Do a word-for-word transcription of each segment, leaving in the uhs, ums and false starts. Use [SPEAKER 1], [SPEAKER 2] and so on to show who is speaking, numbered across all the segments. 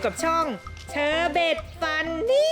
[SPEAKER 1] กับช่องเชอร์เบตฟันนี่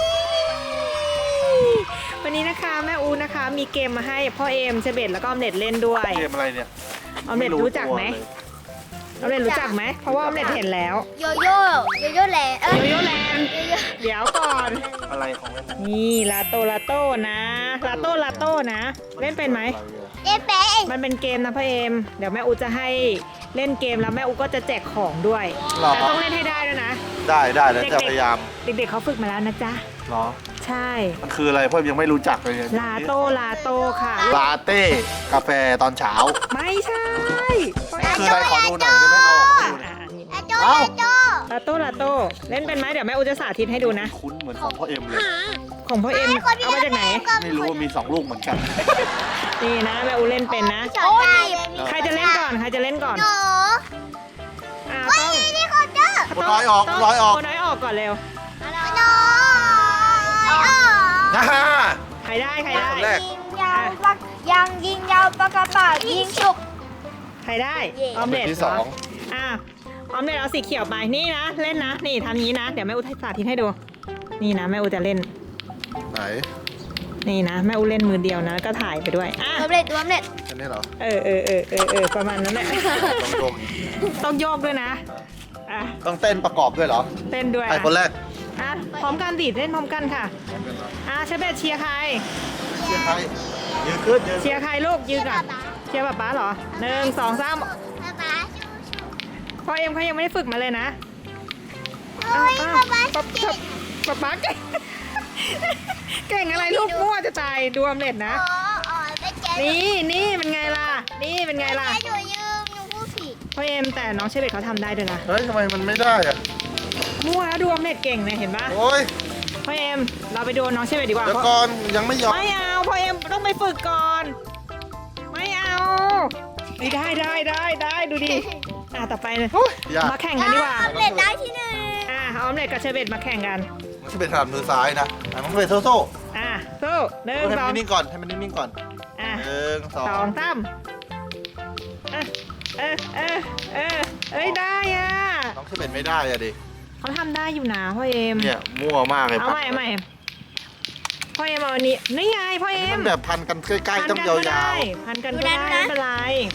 [SPEAKER 1] วันนี้นะคะแม่อูนะคะมีเกมมาให้พ่อเอมเชอร์เบตแล้วก็ออมเล็ตเล่นด้วย
[SPEAKER 2] เกมอะไรเนี่ย
[SPEAKER 1] ออมเล็ตรู้จักไหมออมเล็ตรู้จักไหมเพราะว่าออมเล็ตเห็นแล้ว
[SPEAKER 3] โยโย่โยโย่แลนด์เอ้ย
[SPEAKER 1] โยโย่แลนด์
[SPEAKER 3] โยโย่
[SPEAKER 1] เดี๋ยวก่อน
[SPEAKER 2] อะไรของเล่น
[SPEAKER 1] นี่ลาโตลาโตนะลาโตลาโตนะเล่นเป็นไหม
[SPEAKER 3] เอ๊ะแป๊ะ
[SPEAKER 1] มันเป็นเกมนะพ่อเอมเดี๋ยวแม่อูจะให้เล่นเกมแล้วแม่อูก็จะแจกของด้วย
[SPEAKER 2] หรอ
[SPEAKER 1] แต่ต้องเล่นให้ได้ด้วยนะ
[SPEAKER 2] ได้ได้แล้วจะพยายาม
[SPEAKER 1] เด็กๆเขาฝึกมาแล้วนะจ๊ะ
[SPEAKER 2] เหรอ
[SPEAKER 1] ใช่
[SPEAKER 2] มันคืออะไรเพื่อนยังไม่รู้จักเลยเนี่ย
[SPEAKER 1] ลาโตลาโตค่ะ
[SPEAKER 2] ลาเต้กาแฟตอนเช้า
[SPEAKER 1] ไม่ใช่
[SPEAKER 2] คืออะไรขอดูหน่อยได้ไหมเอาออกมาดูหน่อย
[SPEAKER 1] อ่ะนี่
[SPEAKER 3] อาโจ
[SPEAKER 2] เอ้า
[SPEAKER 3] อาโจ
[SPEAKER 1] ลาโตลาโตเล่นเป็นไหมเดี๋ยวแม่อูจะสาธิตให้ดูนะ
[SPEAKER 2] คุ้นเหมือนของพ่อเอ็มเลย
[SPEAKER 1] ของพ่อเอ็มเอามาจากไหน
[SPEAKER 2] ไม่รู้ว่ามีสองลูกเหมือนกัน
[SPEAKER 1] นี่นะแม่อูเล่นเป็นนะ
[SPEAKER 3] โอ้ย
[SPEAKER 1] ใครจะเล่นก่อนใครจะเล่นก่อน
[SPEAKER 3] หนู
[SPEAKER 1] อ่า
[SPEAKER 3] เฮ้
[SPEAKER 1] ต้อง
[SPEAKER 3] ยนี่เขาเจอ
[SPEAKER 2] โอ้น้อยออกน้อยออก
[SPEAKER 1] โน้อยออกก่อนเร็ว
[SPEAKER 3] หนูอ๋อ
[SPEAKER 2] นะฮะ
[SPEAKER 1] ใครได้ใครได้
[SPEAKER 2] คนแรก
[SPEAKER 3] ยิงยาวปักยังยิงยาวปากกระเป๋ายิงฉุก
[SPEAKER 1] ใครได้
[SPEAKER 3] เย่
[SPEAKER 1] ออมเล็ต
[SPEAKER 2] ที่
[SPEAKER 1] เห
[SPEAKER 2] ส
[SPEAKER 1] ร
[SPEAKER 2] อ
[SPEAKER 1] อง อ่ะออมเล็ตเอาสีเขียวไปนี่นะเล่นนะนี่ทำนี้นะเดี๋ยวแม่อูสาธิตให้ดูนี่นะแม่อูจะเล่น
[SPEAKER 2] ไหน
[SPEAKER 1] นี่นะแม่อูเล่นมือเดียวนะแล้วก็ถ่ายไปด้วยอ่ะ
[SPEAKER 3] สำเร็จสำเร็จ
[SPEAKER 2] อันนี้เหรอ
[SPEAKER 1] เออเออเออเออเออประมาณนั้นแหละ
[SPEAKER 2] ต้องชม
[SPEAKER 1] ต้องโยกด้วยนะอ่ะ
[SPEAKER 2] ต้องเต้นประกอบด้วยเหรอ
[SPEAKER 1] เต้นด้วย
[SPEAKER 2] ใครคนแรก
[SPEAKER 1] อ่ะพร้อมกันดิเล่นพร้อมกันค่ะอ่ะเชฟเบตเชียร์ใคร
[SPEAKER 2] เชียร์ใครยืนขึ้นยืน
[SPEAKER 1] เชียร์ใครลูกยืนก่อนเชียร์ป๊าป๊าเหรอหนึ่งสองสาม
[SPEAKER 3] ป๊าป๊าชูชู
[SPEAKER 1] พ่อเอ็มเขายังไม่ได้ฝึกมาเลยนะ
[SPEAKER 3] เฮ้ย
[SPEAKER 1] อ้าว
[SPEAKER 3] ป๊าป๊า
[SPEAKER 1] ป๊า
[SPEAKER 3] เก่ง
[SPEAKER 1] ป๊าป๊าเก่ง เก่งอะไรลูกมั่วจะตายดูออมเล็ตนะ
[SPEAKER 3] อ๋ออ๋อไปเจ๊
[SPEAKER 1] นี่นี่เป็นไงล่ะ นี่เป็นไงล่ะ
[SPEAKER 3] หนูยืมหนูพูดผิด
[SPEAKER 1] พ่อเอ็มแต่น้องเชฟเบตเขาทำได้ด้วยนะ
[SPEAKER 2] เฮ้ยทำไมมันไม่ได้อะ
[SPEAKER 1] มั่วแล้วดูออมเล็ตเก่งเลยเห็นปะ
[SPEAKER 2] โอ้ย
[SPEAKER 1] พ่อเอ็มเราไปดูน้องเชฟเบตดีกว่า
[SPEAKER 2] เดี๋ยว
[SPEAKER 1] เพราะ
[SPEAKER 2] ก่อนยังไม่ยอม
[SPEAKER 1] ไม่เอาพ่อเอ็มต้องไปฝึกก่อน ไม่เอานี่ได้ได้ได้ได้ดูดิอ่ะต่อไปเลย
[SPEAKER 2] ยาก
[SPEAKER 1] มาแข่งกันดีกว่า
[SPEAKER 3] สำเร็จได้ที่หนึ่ง
[SPEAKER 1] อ่ะออมเล็ตกับเชฟเบตมาแข่งกัน
[SPEAKER 2] มันจะเป็นถนัดมือซ้ายนะอ่ะมันก็เป็นโซ่โซ่
[SPEAKER 1] อ่ะสู้หนึ่ง
[SPEAKER 2] ให้
[SPEAKER 1] สอ
[SPEAKER 2] มั
[SPEAKER 1] ง
[SPEAKER 2] นนิ่งๆก่อนให้มันนิ่งๆก่อน
[SPEAKER 1] อ่ะ
[SPEAKER 2] หนึ่งสอ
[SPEAKER 1] สอง งสามเออเออเออเออเอ้ยได้อ่ะ
[SPEAKER 2] น้องเชเป็นไม่ได้อะดิ
[SPEAKER 1] เขาทำได้อยู่นะพ่อเอ็ม
[SPEAKER 2] เนี่ยมั่วมากเลย
[SPEAKER 1] เอาใหม่เอาใหม่พ่อเอ็มเอาอันนี้นี่ไงพ่อ
[SPEAKER 2] อัน
[SPEAKER 1] เอ็
[SPEAKER 2] นี้
[SPEAKER 1] ม
[SPEAKER 2] มันแบบพันกันใกล้ๆต้อง
[SPEAKER 1] พัน
[SPEAKER 2] ยา
[SPEAKER 1] กันก็
[SPEAKER 2] ว
[SPEAKER 1] ได้พันกันก็ได้ไม่เป็นไร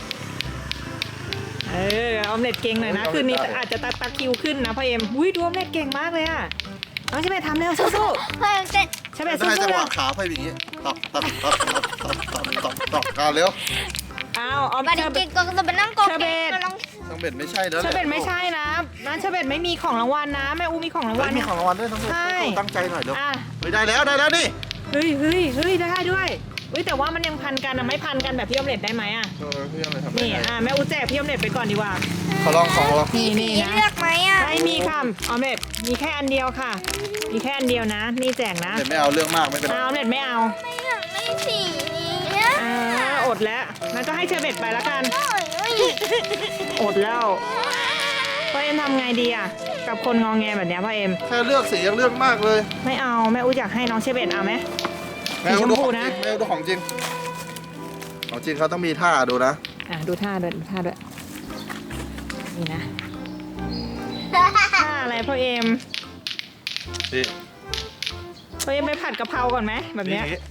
[SPEAKER 1] เออออมเล็ตเก่งหน่อยนะคืนนี้อาจจะตะตะคิวขึ้นนะพ่อเอ็มอุ้ยดูออมเล็ตเก่งมากเลยอ่ะน้องใช่ไหมทำเร็วสู้
[SPEAKER 3] เพิ่มเต้น
[SPEAKER 1] ๆใช่ไหม
[SPEAKER 2] ๆ
[SPEAKER 1] สู้
[SPEAKER 2] ได้จัง
[SPEAKER 1] ๆ
[SPEAKER 2] ห
[SPEAKER 1] เร็
[SPEAKER 2] วะ
[SPEAKER 1] ว
[SPEAKER 2] ขาไปอย่างงี้ตอกตอกตอกตอกตอกตอกตอกกันเร็ว
[SPEAKER 1] อ้าวออม
[SPEAKER 3] มา
[SPEAKER 1] เช
[SPEAKER 3] ดิ
[SPEAKER 1] อร์เบ
[SPEAKER 3] จิ
[SPEAKER 1] ต
[SPEAKER 3] กก็จะมานั่งกอง
[SPEAKER 1] เชอร์เบต
[SPEAKER 3] ก็ลอง
[SPEAKER 2] น้องเบ็ดไม่ใช่แล้ว
[SPEAKER 1] เชอร์เบตไม่ใช่นะร้านเชอร์เบตไม่มีของรางวัลนะแม่อูมีของราง
[SPEAKER 2] เฮ้
[SPEAKER 1] วั
[SPEAKER 2] ย
[SPEAKER 1] ล
[SPEAKER 2] มีของรางวัลด้วยน้องเบ็ด
[SPEAKER 1] ใช่
[SPEAKER 2] ตั้งใจหน่อยเร็ว
[SPEAKER 1] อ่ะ
[SPEAKER 2] เฮ้ยได้แล้วได้แล้วนี่
[SPEAKER 1] เฮ้ยเฮ้ยเฮ้ยได้ด้วยเฮ้ยแต่ว่ามันยังพันกันอะไม่พันกันแบบพี่ออมเล็ตได้ไหมอะ
[SPEAKER 2] เออพี่อะไรทำ
[SPEAKER 1] นี่อ่ะแม่อูแจกพี่ออมเล็ตไปก่อนดีกว่า
[SPEAKER 2] เขาลองของลอง
[SPEAKER 1] นี่
[SPEAKER 3] สี
[SPEAKER 1] นี่นะ
[SPEAKER 3] เลือกไหมอ่ะ
[SPEAKER 1] ไม่มีค่ะออมเล็ตมีแค่อันเดียวค่ะ มีแค่อันเดียวนะ นี่แจกนะ
[SPEAKER 2] เบ็ดไม่เอาเรื่องมากไม่เป็นไร
[SPEAKER 1] เอาออมเล็ตไม่เอา
[SPEAKER 3] ไม่อยากไม่สีนี้อะ
[SPEAKER 1] อ่าอดแล้วงั้นก็ให้เชอร์เบตไปแล้วกัน
[SPEAKER 3] โอ้ยโอ้ย
[SPEAKER 1] อดแล้วพ่อเอ็มทำไงดีอะกับคนงองแงแบบเนี้ยพ่อเอ็ม
[SPEAKER 2] แค่เลือกสียังเลือกมากเลย
[SPEAKER 1] ไม่เอาแม่อูอยากให้น้องเชอร์เบตเอาไหม
[SPEAKER 2] แม่เอาดู
[SPEAKER 1] สีชมพู
[SPEAKER 2] ของจ
[SPEAKER 1] นะ
[SPEAKER 2] ริงแม่เอาดูของจริงของจริงเขาต้องมีท่าดูนะ
[SPEAKER 1] อ่ะดูท่าด้วยดูท่าด้วยนี่นะท่าอะไรพ่อเอ็ม
[SPEAKER 2] นี่
[SPEAKER 1] พ่อเอ็มไปผัดกะเพราก่อนไหมแบบเนี้ย
[SPEAKER 2] นี่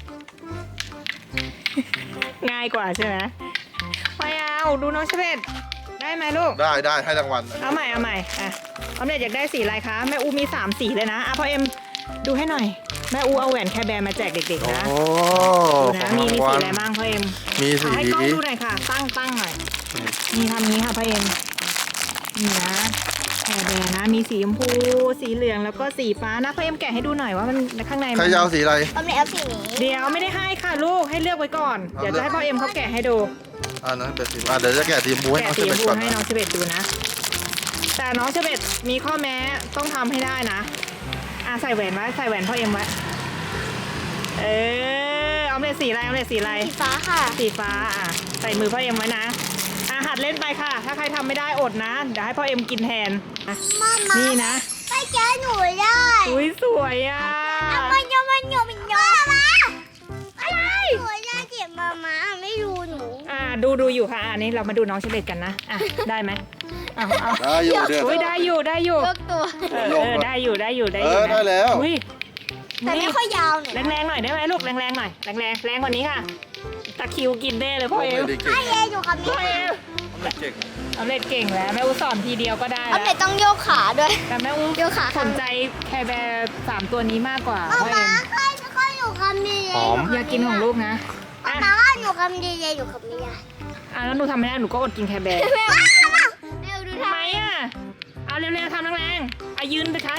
[SPEAKER 1] ง่ายกว่าใช่ไหมไม่เอาดูน้องเชเบตได้ไหมลูก
[SPEAKER 2] ได้ได้ให้รางวัล
[SPEAKER 1] เอาใหม่เอาใหม่อ่ะออมเล็ตอยากได้สีอะไรคะแม่อูมีสามสีเลยนะอ่ะพ่อเอ็มดูให้หน่อยแม่อูเอาแหวนแคร์แบร์มาแจกเด็กๆนะ
[SPEAKER 2] โอ้
[SPEAKER 1] ดู
[SPEAKER 2] ข
[SPEAKER 1] นะ
[SPEAKER 2] อง
[SPEAKER 1] มี
[SPEAKER 2] ราง
[SPEAKER 1] มี
[SPEAKER 2] วั
[SPEAKER 1] สี
[SPEAKER 2] ล
[SPEAKER 1] อะไรบ้างพ่อเอ็ม
[SPEAKER 2] มีสี
[SPEAKER 1] เอาให้กล้องดูหน่อยค่ะ ตั้งตั้งหน่อยมีทำนี้ค่ะพ่อเอ็มนี่นะแคร์แบร์นะมีสีชมพูสีเหลืองแล้วก็สีฟ้านะพ่อเอ็มแกะให้ดูหน่อยว่ามันข้างใน
[SPEAKER 2] ใคร
[SPEAKER 1] มัน
[SPEAKER 2] จะเอาสีอะไร
[SPEAKER 3] เอาไหนเอาสีนี้
[SPEAKER 1] เดี๋ยวไม่ได้ให้ค่ะลูกให้เลือกไว้ก่อน
[SPEAKER 2] เอา
[SPEAKER 1] เดี๋ยว
[SPEAKER 2] เลื
[SPEAKER 1] จะ
[SPEAKER 2] อก
[SPEAKER 1] ให้พ่อเอ็มเขาแกะให้ดู
[SPEAKER 2] อ่านะเป็นสีอ่าเดี๋ยวจะแกะทีมบูให้
[SPEAKER 1] แกะ
[SPEAKER 2] น้อง
[SPEAKER 1] สี
[SPEAKER 2] เช
[SPEAKER 1] ช
[SPEAKER 2] เบ
[SPEAKER 1] ม
[SPEAKER 2] ต
[SPEAKER 1] พู
[SPEAKER 2] ก่อน
[SPEAKER 1] ให้น้อง
[SPEAKER 2] นะ
[SPEAKER 1] เชเบตดูนะ แต่น้องเชเบตมีข้อแม้ต้องทำให้ได้นะอ่ะใส่แหวนไว้ใส่แหวนพ่อเอ็มไว้เออเอาเลยสีอะไรเอาเลยสีอะไร
[SPEAKER 3] สีฟ้าค่ะ
[SPEAKER 1] สีฟ้าอ่ะใส่มือพ่อเอ็มไว้นะอ่ะหัดเล่นไปค่ะ ถ้าใครทำไม่ได้อดนะเดี๋ยวให้พ่อเอ็มกินแทนอ่ะ
[SPEAKER 3] มามา
[SPEAKER 1] นี่นะ
[SPEAKER 3] ไปเจอหนูได้
[SPEAKER 1] อุ้ยสวยอ่ะ
[SPEAKER 3] เอามันโยมันโยมันโยมาอะไรหนูจะเจ็บมามาไม่รู้หนู
[SPEAKER 1] อ่ะดูดูอยู่ค่ะอะอันนี้เรามาดูน้องเชเบตกันนะอ่ะได้ไหมเอาเอา
[SPEAKER 2] ได้อยู่เดือด
[SPEAKER 1] อุ้ยได้อยู่ได้อยู่
[SPEAKER 3] ยกตัว
[SPEAKER 1] เออเออได้อยู่ได้อยู่ได้อ
[SPEAKER 2] เอยู่ อได้แล้ว
[SPEAKER 1] อุ้ย
[SPEAKER 3] แต่ไม่ค่อยยาวหน่อย
[SPEAKER 1] แรงๆหน่อยได้ไหมลูกแรงๆหน่อยแรงๆแรงกว่านี้ค่ะตะคริวกินได้เลยพ่อเอ
[SPEAKER 2] ไม่
[SPEAKER 1] ม
[SPEAKER 2] ได้เก่ง
[SPEAKER 3] ไอ้เออยู่กับ
[SPEAKER 1] พ่อ
[SPEAKER 3] นี่
[SPEAKER 1] เอม
[SPEAKER 2] ไม่เก่ง
[SPEAKER 1] เอาเล็ดเก่งแล้วแม่อูสอนทีเดียวก็ได้
[SPEAKER 3] เอา
[SPEAKER 1] แล้ว
[SPEAKER 3] เม็ดต้องโยกขาด้วย
[SPEAKER 1] แต่แม่อู
[SPEAKER 3] โยกขา
[SPEAKER 1] ส
[SPEAKER 3] ข้าง
[SPEAKER 1] นใจแคร์แบร์สามตัวนี้มากกว่า
[SPEAKER 3] เอา
[SPEAKER 1] พ่อเอ
[SPEAKER 3] มาม ค่อยค่อยอยู่กับนี่
[SPEAKER 2] หอม
[SPEAKER 1] อยากกินของลูกนะ
[SPEAKER 3] เอา
[SPEAKER 1] อ่ะ
[SPEAKER 3] มาอยู่กับนี่อยู่กับนี่
[SPEAKER 1] อ่ะแล้วหนูทำไม่ได้หนูก็อดกินแคร์แบร์
[SPEAKER 3] แม่แม่ดู
[SPEAKER 1] ทำ
[SPEAKER 3] ท่า
[SPEAKER 1] ไมอ่ะเอาเร็วๆทำแรงๆอ่ะยืนไปใช้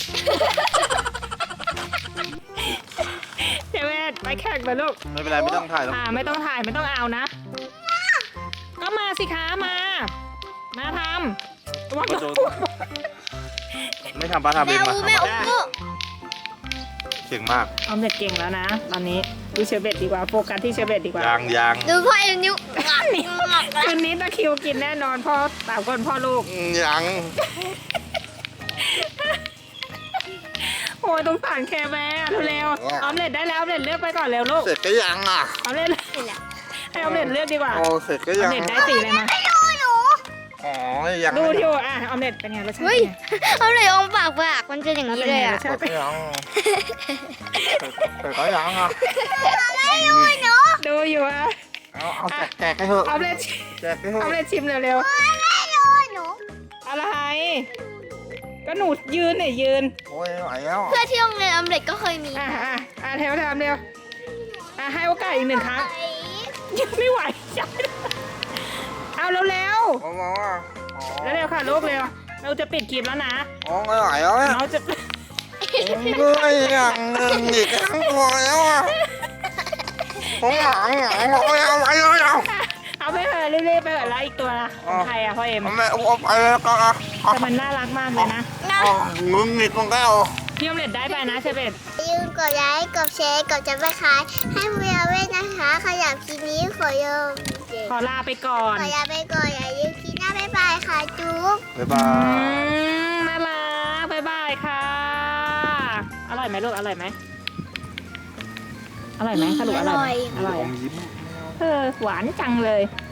[SPEAKER 1] เจเวตไปแข่งไปลูก
[SPEAKER 2] ไม่เป็นไรไม่ต้องถ่ายหรอก
[SPEAKER 1] อ่าไม่ต้องถ่ายไม่ต้องเอานะ ก็มาสิคะมา มาทำว่า
[SPEAKER 2] ก็โดนไม่ทำป้าทำ
[SPEAKER 3] แม่
[SPEAKER 2] เองมา
[SPEAKER 3] อูแม่อู
[SPEAKER 2] เก่งมาก
[SPEAKER 1] ออมเล็ตเก่งแล้วนะ ตอนนี้ดูเชอร์เบตดีกว่าโฟกัสที่เชอร์เบตดีกว่าย
[SPEAKER 2] างยาง
[SPEAKER 3] ดูพ่อเอ็มนิ้ว
[SPEAKER 1] คืนนี้ตะคริวกินแน่นอนพ่อสามคนพ่อลูก
[SPEAKER 2] ยาง
[SPEAKER 1] โอ้ยต้องผ่านแคร์แบร์เร็วๆออมเล็ตได้แล้วออมเล็ตเลือกไปก่อนเร็วลูก
[SPEAKER 2] เสร็จก็ยังอ่ะ
[SPEAKER 1] ออมเล็ตให้ออมเล็ตเลือกดีกว่า
[SPEAKER 2] โอ้เสร็จก็
[SPEAKER 1] ออ
[SPEAKER 2] ยั
[SPEAKER 1] ม
[SPEAKER 2] ง
[SPEAKER 1] เล็ตได้สีอะไรมา
[SPEAKER 3] ไม่ดูหนู
[SPEAKER 2] อ๋อยัง
[SPEAKER 1] ดู
[SPEAKER 2] ไม่
[SPEAKER 1] อยู่อ่ะออมเล็ตเป็นไงรสชาติ
[SPEAKER 3] เฮ้ย
[SPEAKER 1] เป็นไง
[SPEAKER 3] เอาเลยองปากปากมันเป็นอย่างนี้เลยอ่ะ
[SPEAKER 2] เสร็จก็ยังเสร็จก็ยังอ่ะ
[SPEAKER 3] ไม่ดูหนู
[SPEAKER 1] ดูอยู่อ่ะ
[SPEAKER 2] เอาเอาแจกแจกให้เถอะ
[SPEAKER 1] ออมเล็ต
[SPEAKER 2] แจกให้เถ
[SPEAKER 1] ออม
[SPEAKER 2] อะ
[SPEAKER 1] เล็ตชิมเร็ว
[SPEAKER 3] ไม่ดูหนู
[SPEAKER 1] ๆอะไรก็หนูยืนเนี่ยยืน
[SPEAKER 2] โอ้ยไม่ไหวแล้ว
[SPEAKER 3] เพื่อที่โรงเรียนออมเล็ตก็เคยมี
[SPEAKER 1] อ่ะอ่ะอ่ะแถวทำเร็วอ่ะให้โอกาสอีกหนึ่งครั้งยังไม่ไหวยังไม่ได้เอาเร็วเร็ว
[SPEAKER 2] มองว่า
[SPEAKER 1] ๆเร็วๆค่ะลูกเร็วเราจะปิดคลิปแล้วนะ
[SPEAKER 2] อ๋อไม่ไหวแล้วเนี่ย
[SPEAKER 1] เราจะ
[SPEAKER 2] ก็อย่างหนึ่งอีกครั้งพอแล้วอ่ะผมหลังหลังพอแล้วไปเลยเอา
[SPEAKER 1] เอาไปเถอะเรื่อยๆไปเถอะแล้วอีกตัวละของใครอ่ะพ่อเอ็ม
[SPEAKER 2] แม่เอาไปเลยก็อ่ะ
[SPEAKER 1] แต่มันน่ารักมากเลยนะ
[SPEAKER 3] นะ
[SPEAKER 2] มึงนี่ต้องแก้ว
[SPEAKER 1] พี่ออมเล็ตได้ไปนะเชเบต
[SPEAKER 3] อย่าลืมกดไลค์กดแชร์กดจับตะไคร้ให้เวียเว้นะคะขยับคลิปนี้ขอโยม
[SPEAKER 1] ขอลาไปก่อน
[SPEAKER 3] ขอลาไปก่อนอย่าลืมคลิปหน้าบ๊ายบายค่ะจุ๊บ
[SPEAKER 2] บ๊ายบา
[SPEAKER 1] อื
[SPEAKER 2] ย
[SPEAKER 1] มน่ารักบ๊ายบายค่ะ อร่อยไหมลูกอร่อยไหมอร่อยไหมสรุปอร่อยไหมอร่อย
[SPEAKER 2] ผมยิ้ม
[SPEAKER 1] เออหวานจังเลย
[SPEAKER 3] อ